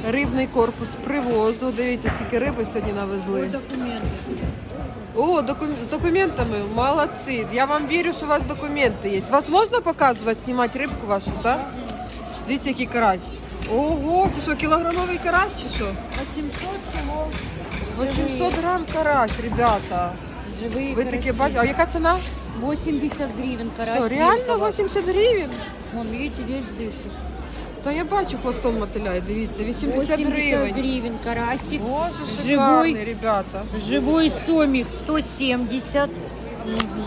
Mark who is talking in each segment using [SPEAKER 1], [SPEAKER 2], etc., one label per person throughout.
[SPEAKER 1] Рибний корпус привозу. Дивіться, скільки риби сьогодні навезли. О, з документами. Молодці. Я вам вірю, що у вас документи є. Вас можна показувати, знімати рибку вашу, так? Дивіться, який карась. Ого, це що, кілограмовий карась чи що?
[SPEAKER 2] 800 кіло.
[SPEAKER 1] 800 грам карась, ребята.
[SPEAKER 2] Живые
[SPEAKER 1] Ви таке бачите? А яка ціна?
[SPEAKER 2] 80 гривен карась.
[SPEAKER 1] Що, реально
[SPEAKER 2] мелкого.
[SPEAKER 1] 80 гривень?
[SPEAKER 2] Вон, видите, весь дышит.
[SPEAKER 1] Та я бачу, хвостом мотиляє, дивіться, 80
[SPEAKER 2] 80
[SPEAKER 1] гривень.
[SPEAKER 2] гривен карасик.
[SPEAKER 1] Боже, шикарний,
[SPEAKER 2] Живой.
[SPEAKER 1] ребята.
[SPEAKER 2] Живой сомик 170.
[SPEAKER 1] Угу.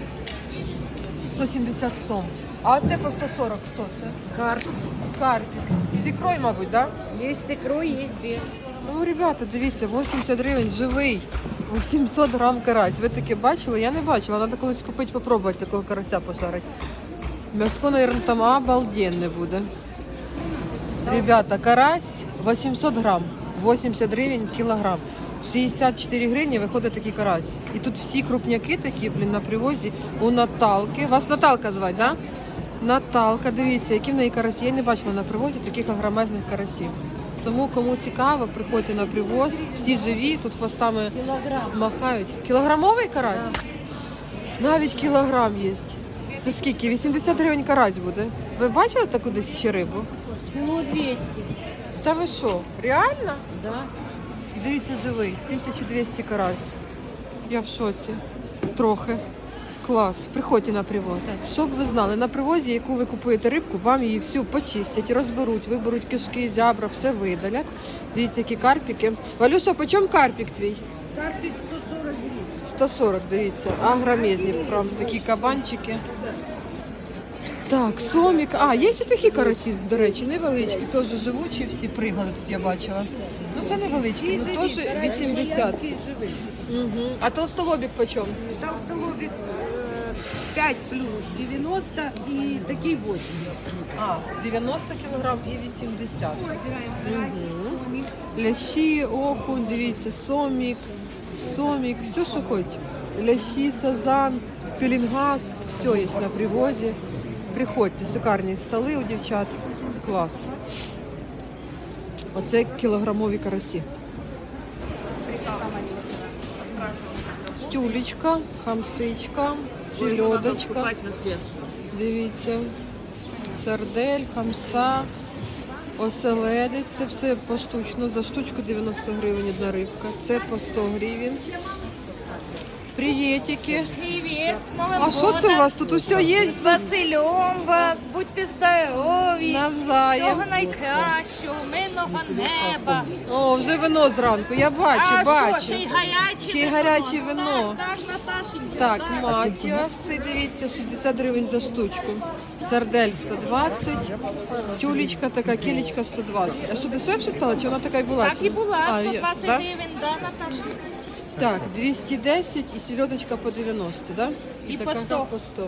[SPEAKER 1] 170 сом. А це по 140 хто це?
[SPEAKER 2] Карп.
[SPEAKER 1] Карпік. З ікрою, мабуть, так? Да?
[SPEAKER 2] Есть с икрой, есть без.
[SPEAKER 1] Ну, ребята, дивіться, 80 гривень, живий. 800 грам карась. Ви таке бачили? Я не бачила. Треба колись купити, попробувати такого карася пожарити. М'яско, мабуть, там обалденне буде. Ребята, карась 800 грам. 80 гривень кілограм. 64 гривні виходить такий карась. І тут всі крупняки такі, блін, на привозі у Наталки. Вас Наталка звати, так? Да? Наталка, дивіться, які в неї карасі. Я не бачила на привозі таких огромезних карасів. Тому, кому цікаво, приходьте на привоз. Всі живі, тут хвостами махають. Кілограмовий карась? Навіть кілограм є. Це скільки? 80 гривень карась буде. Ви бачили таку десь ще рибу?
[SPEAKER 2] Кило 200.
[SPEAKER 1] Та ви що? Реально?
[SPEAKER 2] Да.
[SPEAKER 1] Дивіться, живий. 1200 карась. Я в шоці. Трохи. Клас. Приходьте на привоз. Щоб ви знали, на привозі, яку ви купуєте рибку, вам її всю почистять, розберуть, виберуть кишки, зябра, все видалять. Дивіться, які карпіки. Валюша, по чому карпік твій?
[SPEAKER 2] Карпик 140 гривен.
[SPEAKER 1] 140, дивіться. Агромезні, правда, такі кабанчики. Так, сомік. А, є ще такі карасі, до речі, невеличкі, теж живучі, всі пригали тут я бачила. Ну це невеличкі, ну теж 80. Угу. А толстолобік по чому?
[SPEAKER 3] Толстолобик 5 плюс 90 и такие 80.
[SPEAKER 1] А, 90 кілограм і 80. Угу. Лящі, окунь, дивіться, сомік, все, що хоч. Лящі, сазан, пелінгаз, все є на привозі. Приходьте, шикарні столи у дівчат. Клас. Оце кілограмові карасі. Тюлечка, хамсичка, селедочка. Дивіться. Сардель, хамса, оселедець. Це все поштучно. За штучку 90 гривень одна рибка. Це по 100 гривень. Приветики.
[SPEAKER 2] Привет, с Новым
[SPEAKER 1] А що це у вас тут усе є?
[SPEAKER 2] З Василем вас, будьте здорові.
[SPEAKER 1] Навзаєм.
[SPEAKER 2] Всього найкращого, мирного неба.
[SPEAKER 1] О, вже вино зранку. Я бачу,
[SPEAKER 2] А
[SPEAKER 1] бачу.
[SPEAKER 2] що, ще й гаряче
[SPEAKER 1] Ще й гаряче вино.
[SPEAKER 2] Так, Наташенька.
[SPEAKER 1] Так, матіас, цей, дивіться, 60 гривень за штучку. Сардель 120, тюлечка така, кілечка 120. А що, дешевше стало, чи вона така й була?
[SPEAKER 2] Так і була,
[SPEAKER 1] А, є,
[SPEAKER 2] 120
[SPEAKER 1] да?
[SPEAKER 2] гривень, да, Наташенька?
[SPEAKER 1] Так, 210 і селедочка по 90, да?
[SPEAKER 2] І
[SPEAKER 1] така
[SPEAKER 2] по 100.
[SPEAKER 1] По 100.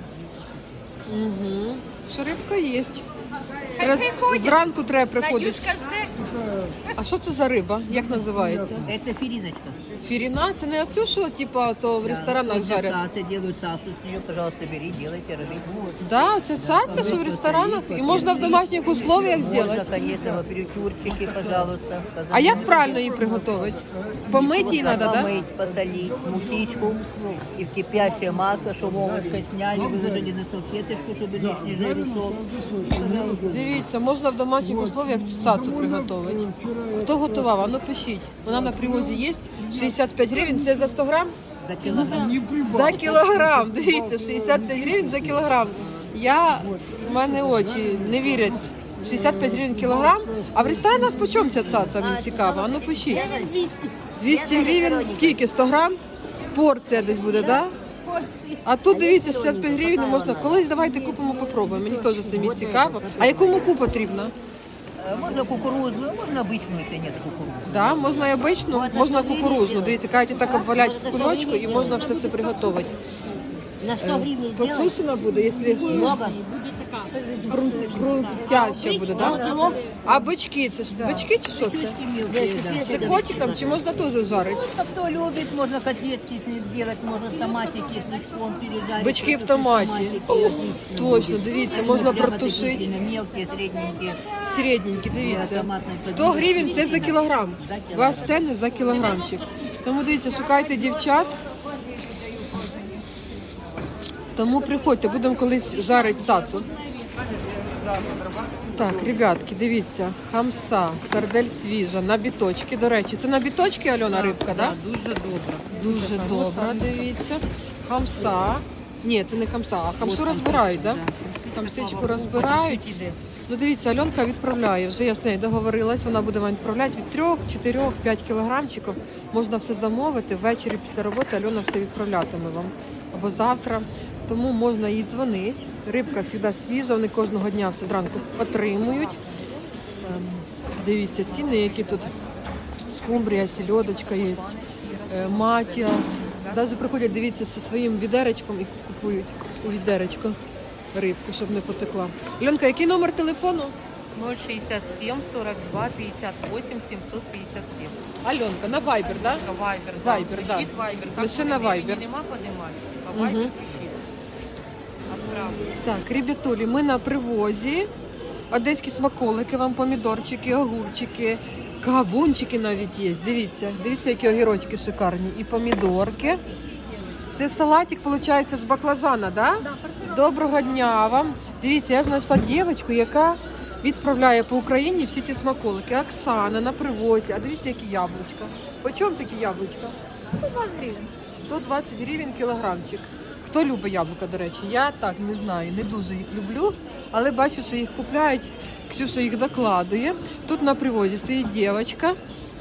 [SPEAKER 1] Угу. Що рибка є.
[SPEAKER 2] Приходять.
[SPEAKER 1] Зранку треба приходити.
[SPEAKER 2] Надюшка жде.
[SPEAKER 1] А що це за риба? Як називається?
[SPEAKER 3] Это филиночка.
[SPEAKER 1] Фіріна? Це не оцю, що типа, то в ресторанах жарять?
[SPEAKER 3] Цацы делают цацу с нее, пожалуйста, бери, делайте, рыбу.
[SPEAKER 1] Да, це цаця, що в ресторанах? І можна в домашніх условиях
[SPEAKER 3] Можно,
[SPEAKER 1] зробити?
[SPEAKER 3] конечно, в апертюрчике, пожалуйста.
[SPEAKER 1] А як правильно її приготувати? Помити її треба, так? Да?
[SPEAKER 3] Помыть, посолить, мукичку и в кипящее масло, чтобы овощи сняли, выложили на салфеточку, чтобы лишний жир ушел.
[SPEAKER 1] Дивіться, можна в домашніх условиях цацу приготувати. Хто готував? А ну пишіть. Вона на привозі є. 65 гривень. Це за 100 грам?
[SPEAKER 3] За килограмм.
[SPEAKER 1] За кілограм. Дивіться, 65 гривень за кілограм. В мене очі не вірять. 65 гривень кілограм. А в ресторанах по чому ця цаца? Мені цікаво. А ну пишіть. 200 гривень. Скільки? 100 грам? Порція десь буде, так? Да? А тут дивіться, 65 гривень можна. Колись давайте купимо, попробуємо. Мені теж самі цікаво. А яку муку потрібно?
[SPEAKER 3] Можно кукурузную, можно обычную, если нет кукурузы.
[SPEAKER 1] Да, можна і обичну, можна кукурузну. Дивіться, кажуть, так обвалять в кульочку і можна все це приготувати.
[SPEAKER 3] На 100 гривен
[SPEAKER 1] Подсушена буде, якщо...
[SPEAKER 3] Много.
[SPEAKER 1] крутяща буде, так? А бички, це ж бички чи що це?
[SPEAKER 3] Кусочки мелкие, да.
[SPEAKER 1] Це котиком чи можна теж жарити?
[SPEAKER 3] А кто любит, можно котлетки с ним делать, можно в томате кислячком пережарить.
[SPEAKER 1] Бички в
[SPEAKER 3] Протушить
[SPEAKER 1] томаті.
[SPEAKER 3] отлично
[SPEAKER 1] Точно,
[SPEAKER 3] будет.
[SPEAKER 1] дивіться, можна
[SPEAKER 3] Прямо
[SPEAKER 1] протушити.
[SPEAKER 3] такие мелкие, средненькие.
[SPEAKER 1] Середненькі, дивіться.
[SPEAKER 3] томатний
[SPEAKER 1] 100 гривень це за кілограм.
[SPEAKER 3] За
[SPEAKER 1] У вас ціни за кілограмчик. Тому дивіться, шукайте дівчат. Тому приходьте, будемо колись жарити цацу. Так, ребятки, дивіться, хамса, сардель свіжа, на біточки. До речі, це на біточки, Альона, рибка, так?
[SPEAKER 3] Дуже добре.
[SPEAKER 1] Дуже добра, дивіться. Хамса. Ні, це не хамса, а хамсу розбирають, так? Хамсичку розбирають. Ну дивіться, Альонка відправляє, вже я з нею договорилась, вона буде вам відправляти від 3, 4, 5 кілограмчиків. Можна все замовити, ввечері після роботи Альона все відправлятиме вам. Або завтра. Тому можна їй дзвонити. Рибка завжди свіжа, вони кожного дня все зранку отримують. Дивіться, ціни, які тут скумбрія, сільодочка є, матіас. Навіть приходять, дивіться, зі своїм відеречком і купують у відеречко рибку, щоб не потекла. Альонка, який номер телефону?
[SPEAKER 2] 067 42 58 757.
[SPEAKER 1] Альонка, на Viber, так?
[SPEAKER 2] Вайбер,
[SPEAKER 1] Viber, да.
[SPEAKER 2] Вайбер.
[SPEAKER 1] Лише на Viber.
[SPEAKER 2] Нема подимати. А Вайбер пишіть. Отправлю.
[SPEAKER 1] Так, ребятулі, ми на привозі. Одеські смаколики, вам помідорчики, огурчики, кавунчики навіть є. Дивіться, дивіться, які огірочки шикарні. І помідорки. Це салатик, виходить, з баклажана, да? Доброго дня вам. Дивіться, я знайшла дівчинку, яка відправляє по Україні всі ці смаколики. Оксана на привозі. А дивіться, які яблучка. По чому такі яблучка?
[SPEAKER 4] 120 гривень.
[SPEAKER 1] 120 гривень кілограмчик. Хто любить яблука, до речі? Я так не знаю, не дуже їх люблю, але бачу, що їх купляють. Ксюша їх докладує. Тут на привозі стоїть дівчинка.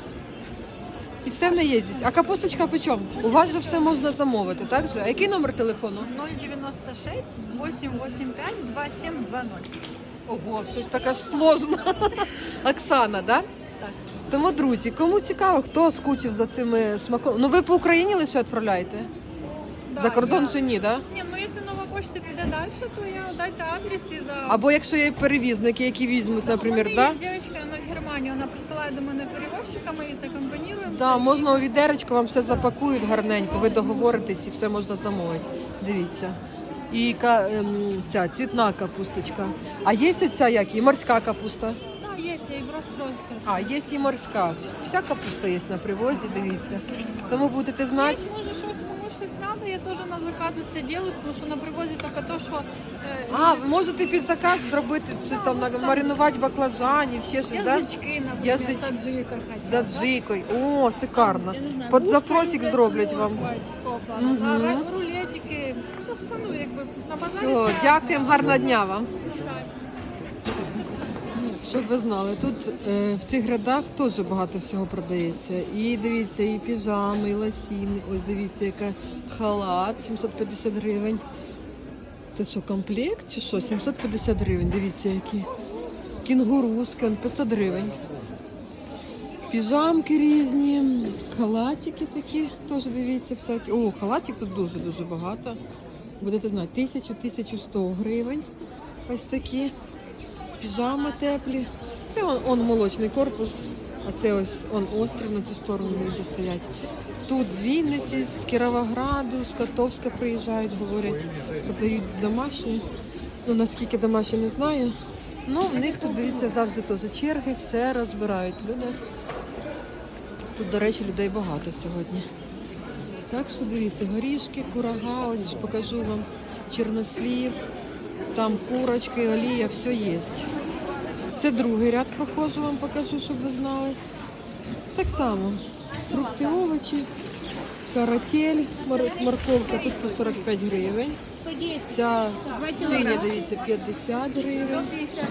[SPEAKER 1] І все в неї є. А капусточка по чому? У вас же все можна замовити, так же? А який номер телефону?
[SPEAKER 4] 096 885 2720.
[SPEAKER 1] Ого, щось таке ж сложно. Оксана, да?
[SPEAKER 4] Так.
[SPEAKER 1] Тому, друзі, кому цікаво, хто скучив за цими смаколиками. Ну ви по Україні лише відправляєте?
[SPEAKER 4] Да,
[SPEAKER 1] За кордон
[SPEAKER 4] я-
[SPEAKER 1] ще ні, так? Да?
[SPEAKER 4] Ні, ну якщо нова почта піде далі, то я дайте адрес і за...
[SPEAKER 1] Або якщо є перевізники, які візьмуть, наприклад,
[SPEAKER 4] У
[SPEAKER 1] да?
[SPEAKER 4] мене є дівчинка, вона в Германії, вона присилає до мене перевозчика, ми їх так комбінуємо.
[SPEAKER 1] Да, можна у відеречко, вам все запакують гарненько, ви договоритесь і все можна замовити. Дивіться. І ця цвітна капусточка. А є ця як? І морська капуста?
[SPEAKER 4] Да, є, я їх розпрошу.
[SPEAKER 1] А, є і морська. Вся капуста є на привозі, дивіться. Тому будете знати.
[SPEAKER 4] Якщо може щось, кому щось треба, я теж на закази це роблю, тому що на привозі тільки то, що...
[SPEAKER 1] А, ви можете під заказ зробити, щось там маринувати баклажанів, ще щось, так?
[SPEAKER 4] язички, наприклад,
[SPEAKER 1] Язич-
[SPEAKER 4] саджика
[SPEAKER 1] За
[SPEAKER 4] хотять. да?
[SPEAKER 1] джикою. О, шикарно.
[SPEAKER 4] Я не знаю,
[SPEAKER 1] Під
[SPEAKER 4] вушка
[SPEAKER 1] запросик
[SPEAKER 4] їм
[SPEAKER 1] зроблять
[SPEAKER 4] десь
[SPEAKER 1] вам.
[SPEAKER 4] бувають такого плану.
[SPEAKER 1] Мгм.
[SPEAKER 4] А рулетики, ну, якби на базарі.
[SPEAKER 1] Все,
[SPEAKER 4] це
[SPEAKER 1] дякуємо, гарного дня вам.
[SPEAKER 4] базар.
[SPEAKER 1] Щоб ви знали, тут в цих рядах теж багато всього продається. І дивіться, і піжами, і лосіни. Ось дивіться, яка халат, 750 гривень. Це що, комплект чи що? 750 гривень, дивіться, які. Кінгуруски, он 500 гривень. Піжамки різні, халатики такі, теж дивіться, всякі. О, халатик тут дуже-дуже багато. Будете знати, 1000-1100 гривень. Ось такі. Піжами теплі. Це он молочний корпус, а це ось он острів на цю сторону люди стоять. Тут з Вінниці, з Кіровограду, з Котовська приїжджають, говорять, продають домашні. Ну наскільки домашні, не знаю. Ну, в них тут, дивіться, завжди теж черги, все розбирають люди. Тут, до речі, людей багато сьогодні. Так що дивіться, горішки, курага, ось покажу вам, чорнослів, там курочки, олія, все є. Це другий ряд проходжу, вам покажу, щоб ви знали. Так само, фрукти, овочі, каратель, морковка тут по 45 гривень. Ця синя, дивіться, 50 гривень.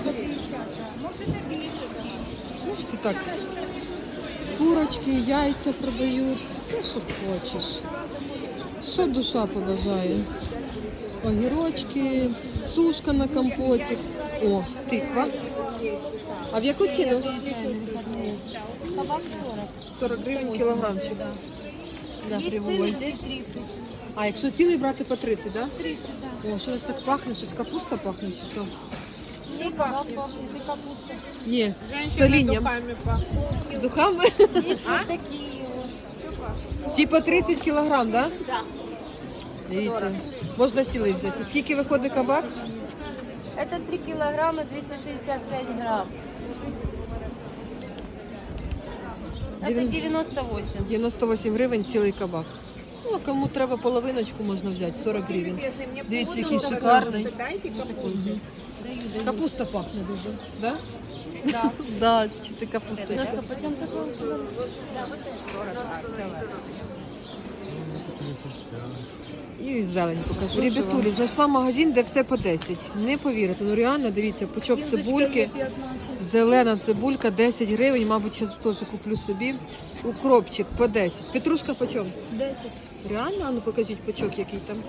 [SPEAKER 1] Можете так. Курочки, яйця продають, все, що хочеш. Що душа побажає. Огірочки, сушка на компотик. О, тиква. А в яку ціну? 40 гривень кілограмчик. Для привозі. А якщо цілий брати по 30, так? Да? 30, так. О, що у вас так пахне? Щось капуста пахне чи що? Ні, з солінням. Духами? Типа 30 кілограм, да?
[SPEAKER 2] Да.
[SPEAKER 1] Дивіться, можна цілий взяти. Скільки виходить кабак?
[SPEAKER 2] Это 3 килограмма 265 грамм. Это 98.
[SPEAKER 1] 98 гривень цілий кабак. Ну, а кому треба половиночку, можна взяти, 40 гривень. Дивіться, який шикарний. Мгм. Капуста пахне дуже, да?
[SPEAKER 2] Да.
[SPEAKER 1] Да, чи ти капуста? І зелень покажу. Ребятулі, знайшла магазин, де все по 10. Не повірите, ну реально, дивіться, пучок цибульки, зелена цибулька, 10 гривень, мабуть, зараз теж куплю собі. Укропчик по 10. Петрушка по чому?
[SPEAKER 2] 10.
[SPEAKER 1] Реально? А ну покажіть пучок, який там.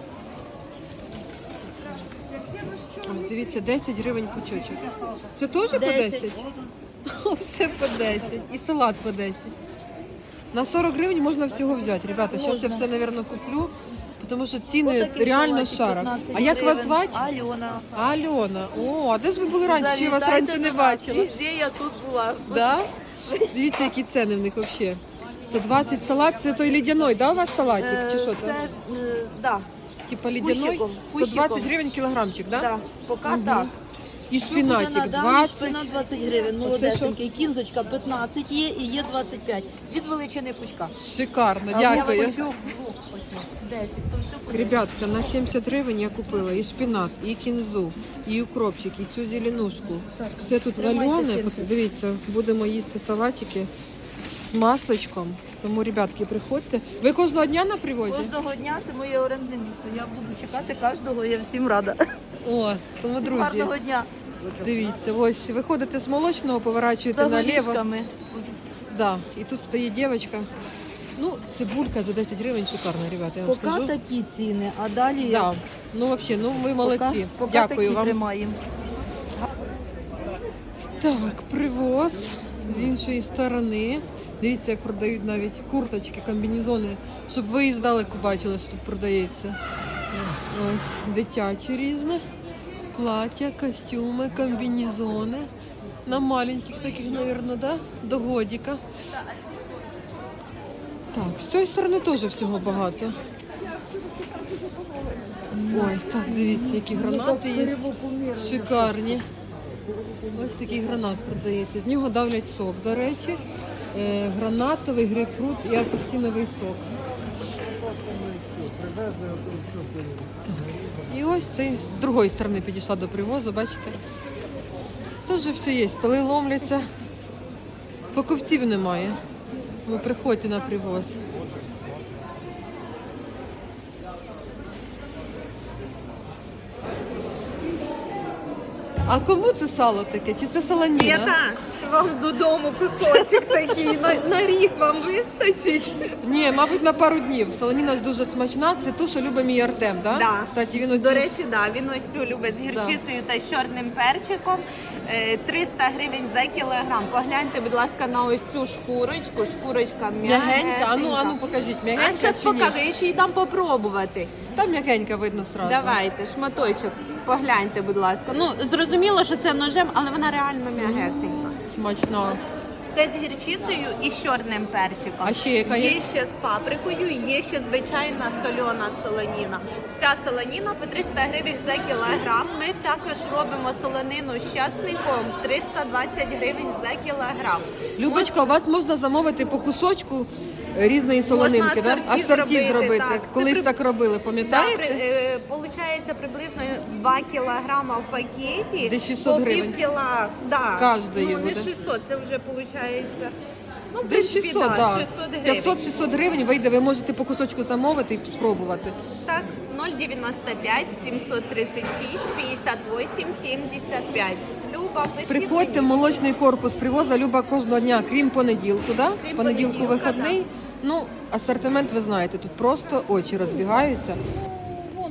[SPEAKER 1] Ось дивіться, 10 гривень пучочок. Це теж по 10? О, все по 10. І салат по 10. На 40 гривень можна всього взяти. Ребята, зараз я все, мабуть, куплю, тому що ціни реально шарок. А як вас звати?
[SPEAKER 2] Альона.
[SPEAKER 1] Альона. О, а де ж ви були раніше? Чи я вас раніше не бачила?
[SPEAKER 2] Везде я тут була.
[SPEAKER 1] Да? Дивіться, які ціни в них взагалі. 120 салат, це той лідяной, да, у вас салатик? Чи що там?
[SPEAKER 2] Це, да,
[SPEAKER 1] Типа лідяной?
[SPEAKER 2] Кущиком,
[SPEAKER 1] 120
[SPEAKER 2] кущиком.
[SPEAKER 1] гривень кілограмчик, да?
[SPEAKER 2] да, поки
[SPEAKER 1] Мгм.
[SPEAKER 2] так.
[SPEAKER 1] І шпінатик
[SPEAKER 2] Да,
[SPEAKER 1] 20.
[SPEAKER 2] шпинат 20 гривень, молодесенький. Кінзочка 15 є і є 25. Від величини пучка.
[SPEAKER 1] Шикарно,
[SPEAKER 2] Я
[SPEAKER 1] дякую.
[SPEAKER 2] вас хочу 10, то все по 10.
[SPEAKER 1] Ребятка, на 70 гривень я купила і шпінат, і кінзу, і укропчик, і цю зеленушку. Все тут
[SPEAKER 2] тримайте
[SPEAKER 1] валяне.
[SPEAKER 2] 70.
[SPEAKER 1] Дивіться, будемо їсти салатики з масличком. Тому, ребятки, приходьте. Ви кожного дня на привозі?
[SPEAKER 2] Кожного дня це моє орендне місце. Я буду чекати кожного, я всім рада.
[SPEAKER 1] О, тому, друзі,
[SPEAKER 2] Гарного дня.
[SPEAKER 1] дивіться, ось виходите з молочного, поворачуєте
[SPEAKER 2] За
[SPEAKER 1] наліво.
[SPEAKER 2] горішками.
[SPEAKER 1] Да, і тут стоїть дівчинка. Ну, цибулька за 10 гривень шикарна, ребята, я вам
[SPEAKER 2] Поки
[SPEAKER 1] скажу.
[SPEAKER 2] такі ціни, а далі
[SPEAKER 1] Да. Ну, взагалі, ну ви молодці.
[SPEAKER 2] поки
[SPEAKER 1] Дякую
[SPEAKER 2] такі
[SPEAKER 1] вам.
[SPEAKER 2] тримаємо.
[SPEAKER 1] Так, привоз з іншої сторони. Дивіться, як продають навіть курточки, комбінезони, щоб ви і здалеку бачили, що тут продається. Ось дитячі різне. Плаття, костюми, комбінезони. На маленьких таких, мабуть, да? До годика. Так, з цієї сторони теж всього багато. Ой, так, дивіться, які гранати є. Шикарні. Ось такий гранат продається. З нього давлять сок, до речі. Гранатовий, грейпфрут і апельсиновий сок. І ось цей з другої сторони підійшла до привозу, бачите? Теж все є, столи ломляться. Покупців немає. Ви приходьте на привоз. А кому це сало таке? Чи це солоніна?
[SPEAKER 2] Це вам додому кусочок такий, на рік вам вистачить.
[SPEAKER 1] Ні, мабуть, на пару днів. Солоніна ж дуже смачна. Це ту, що любить мій Артем, да?
[SPEAKER 5] Да.
[SPEAKER 1] Кстати, він
[SPEAKER 5] До речі, да, він ось цю любить з
[SPEAKER 1] Да.
[SPEAKER 5] гірчицею та з чорним перчиком. 300 гривень за кілограм. Погляньте, будь ласка, на ось цю шкурочку. Шкурочка
[SPEAKER 1] м'ягенька. А
[SPEAKER 5] м'ягенька.
[SPEAKER 1] ну покажіть,
[SPEAKER 5] А
[SPEAKER 1] м'ягенька
[SPEAKER 5] зараз
[SPEAKER 1] чи ні?
[SPEAKER 5] покажу, я ще й дам попробувати.
[SPEAKER 1] Там м'ягенька видно сразу.
[SPEAKER 5] Давайте, шматочок, погляньте, будь ласка. Ну, зрозуміло, що це ножем, але вона реально м'ягесенька.
[SPEAKER 1] Смачна.
[SPEAKER 5] Це з гірчицею і з чорним перчиком.
[SPEAKER 1] А ще яка є?
[SPEAKER 5] Є ще з паприкою, є ще звичайна сольона солоніна. Вся солоніна по 300 гривень за кілограм. Ми також робимо солонину з часником 320 гривень за кілограм.
[SPEAKER 1] Любочка, у вас можна замовити по кусочку різної солонинки, да?
[SPEAKER 5] асорті
[SPEAKER 1] Асорті
[SPEAKER 5] зробити,
[SPEAKER 1] зробити.
[SPEAKER 5] так.
[SPEAKER 1] Колись
[SPEAKER 5] Це
[SPEAKER 1] так робили, пам'ятаєте?
[SPEAKER 5] Получається приблизно 2 кілограма в пакеті.
[SPEAKER 1] Десь 600
[SPEAKER 5] по
[SPEAKER 1] гривень.
[SPEAKER 5] пів кіла, да.
[SPEAKER 1] Кожної
[SPEAKER 5] ну, не
[SPEAKER 1] буде.
[SPEAKER 5] 600, це вже виходить. Ну, в
[SPEAKER 1] Десь
[SPEAKER 5] принципі,
[SPEAKER 1] 600,
[SPEAKER 5] да,
[SPEAKER 1] да.
[SPEAKER 5] 600 гривень.
[SPEAKER 1] 500-600 гривень вийде, ви можете по кусочку замовити і спробувати.
[SPEAKER 5] Так, 095 736 58 75. Люба, пишіть
[SPEAKER 1] Приходьте в
[SPEAKER 5] мені.
[SPEAKER 1] молочний корпус привоза Люба кожного дня, крім понеділку, да?
[SPEAKER 5] Крім
[SPEAKER 1] Понеділку
[SPEAKER 5] понеділка,
[SPEAKER 1] вихідний. Ну, асортимент ви знаєте, тут просто очі розбігаються.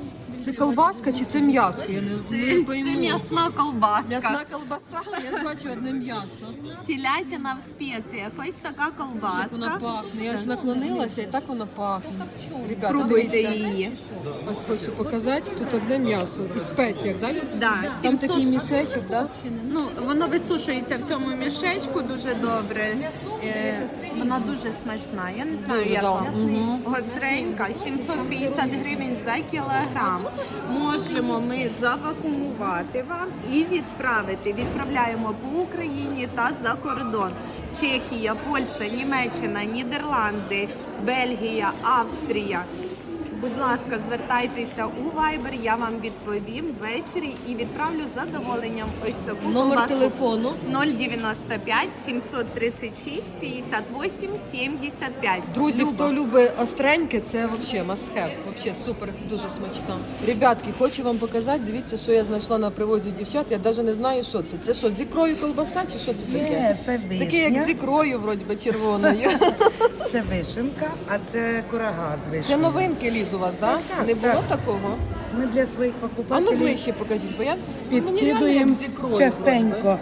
[SPEAKER 1] Це колбаска чи це м'ясо? Я не пойму.
[SPEAKER 5] Це м'ясна колбаска.
[SPEAKER 1] М'ясна колбаса, я бачу одне м'ясо.
[SPEAKER 5] Телятина в спеціях. Ось така
[SPEAKER 1] Як вона
[SPEAKER 5] колбаска.
[SPEAKER 1] пахне. Я ж наклонилася і так вона пахне. Ребята,
[SPEAKER 5] Спробуйте
[SPEAKER 1] дивіться.
[SPEAKER 5] її.
[SPEAKER 1] Ось хочу показати, тут одне м'ясо. І спеціях, да? Люд?
[SPEAKER 5] Да,
[SPEAKER 1] Там
[SPEAKER 5] 700.
[SPEAKER 1] такий мішечок, да?
[SPEAKER 5] Ну, воно висушується в цьому мішечку дуже добре. Вона дуже смачна. Я не знаю,
[SPEAKER 1] Дуже,
[SPEAKER 5] як
[SPEAKER 1] да.
[SPEAKER 5] вам.
[SPEAKER 1] Мгм.
[SPEAKER 5] Гостренька, 750 гривень за кілограм. Можемо ми завакумувати вам і відправити. Відправляємо по Україні та за кордон. Чехія, Польща, Німеччина, Нідерланди, Бельгія, Австрія. Будь ласка, звертайтеся у Viber, я вам відповім ввечері і відправлю з задоволенням ось таку
[SPEAKER 1] Номер
[SPEAKER 5] колбаску.
[SPEAKER 1] телефону.
[SPEAKER 5] 095 736 58 75.
[SPEAKER 1] Друзі, хто любить остреньке, це взагалі must have. Вообще супер, дуже смачно. Ребятки, хочу вам показати, дивіться, що я знайшла на привозі дівчат. Я навіть не знаю, що це. Це що, з ікрою колбаса чи що це таке?
[SPEAKER 6] Ні, це
[SPEAKER 1] Таке як
[SPEAKER 6] вишня,
[SPEAKER 1] з ікрою, вроді би, червоною.
[SPEAKER 6] це вишенка, а це курага з
[SPEAKER 1] Це
[SPEAKER 6] вишнею.
[SPEAKER 1] новинки ліз у вас, так?
[SPEAKER 6] Так,
[SPEAKER 1] Не було
[SPEAKER 6] так.
[SPEAKER 1] такого?
[SPEAKER 6] Ми для своїх
[SPEAKER 1] А ну
[SPEAKER 6] покупателів
[SPEAKER 1] ближче покажіть, бо я мені реально
[SPEAKER 6] підкидуємо
[SPEAKER 1] як з ікрою.
[SPEAKER 6] частенько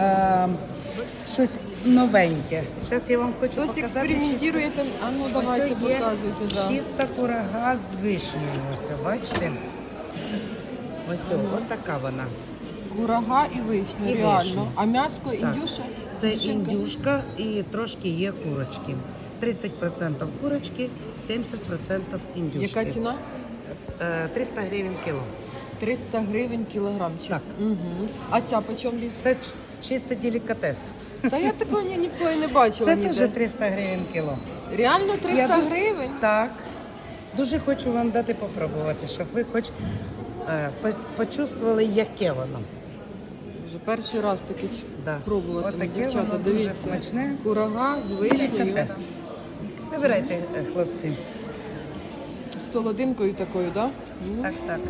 [SPEAKER 6] щось новеньке. Зараз я вам хочу
[SPEAKER 1] Щось
[SPEAKER 6] показати.
[SPEAKER 1] експериментуєте? А ну давайте
[SPEAKER 6] Ось є
[SPEAKER 1] показуйте. Да.
[SPEAKER 6] чиста курага з вишнею. Ось, бачите? Ось, от така вона.
[SPEAKER 1] Курага і вишня,
[SPEAKER 6] І
[SPEAKER 1] реально.
[SPEAKER 6] вишня.
[SPEAKER 1] А м'яско індюша?
[SPEAKER 6] Це
[SPEAKER 1] Індюшенька?
[SPEAKER 6] індюшка і трошки є курочки. 30% курочки, 70% індюшки.
[SPEAKER 1] Яка ціна?
[SPEAKER 6] 300 гривень кіло.
[SPEAKER 1] 300 гривень кілограмчик.
[SPEAKER 6] Так.
[SPEAKER 1] Угу. А ця по чому ліс?
[SPEAKER 6] Це чисто делікатес.
[SPEAKER 1] Та я такого ніколи не бачила
[SPEAKER 6] Це
[SPEAKER 1] ніде.
[SPEAKER 6] теж 300 гривень кіло.
[SPEAKER 1] Реально 300
[SPEAKER 6] Я дуже-
[SPEAKER 1] гривень?
[SPEAKER 6] Так. Дуже хочу вам дати попробувати, щоб ви хоч почувствували, яке воно.
[SPEAKER 1] Вже перший раз таке
[SPEAKER 6] Да.
[SPEAKER 1] пробуватиму,
[SPEAKER 6] Отаке
[SPEAKER 1] дівчата,
[SPEAKER 6] воно дуже
[SPEAKER 1] дивіться.
[SPEAKER 6] смачне.
[SPEAKER 1] Курага з вишнею,
[SPEAKER 6] Делікатес. Вибирайте, хлопці.
[SPEAKER 1] з солодинкою такою, так? Да?
[SPEAKER 6] Так, так.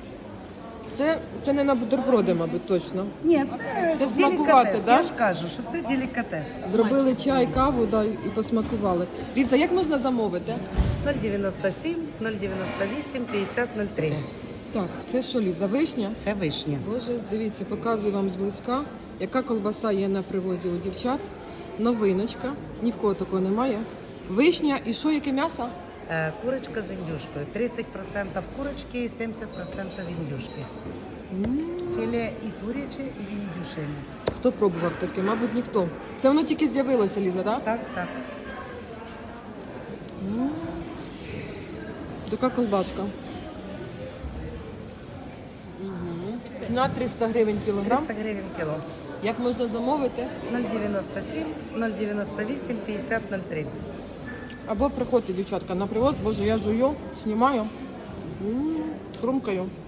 [SPEAKER 1] Це не на бутерброди, мабуть, точно.
[SPEAKER 6] Ні,
[SPEAKER 1] Це
[SPEAKER 6] це
[SPEAKER 1] смакувати,
[SPEAKER 6] делікатес.
[SPEAKER 1] да?
[SPEAKER 6] Я ж кажу, що це делікатес.
[SPEAKER 1] Зробили чай, каву, да, і посмакували. Ліза, як можна замовити?
[SPEAKER 6] 097, 098, 50, 03.
[SPEAKER 1] Так, це що, Ліза, вишня?
[SPEAKER 6] Це вишня.
[SPEAKER 1] Боже, дивіться, показую вам зблизька, яка колбаса є на привозі у дівчат. Новиночка, ні в кого такого немає. Вишня і що, яке м'ясо?
[SPEAKER 6] Курочка з індюшкою. 30% курочки і 70% індюшки. Філе і куряче, і індюшине.
[SPEAKER 1] Хто пробував таке? Мабуть, ніхто. Це воно тільки з'явилося, Ліза, так?
[SPEAKER 6] Так, так.
[SPEAKER 1] Така колбаска. Ціна 300 гривень кілограм.
[SPEAKER 6] 300 гривень кіло.
[SPEAKER 1] Як можна замовити?
[SPEAKER 6] 097, 098, 50, 03.
[SPEAKER 1] Або приходьте, дівчатка, на привоз. Боже, я жую, знімаю, хрумкаю.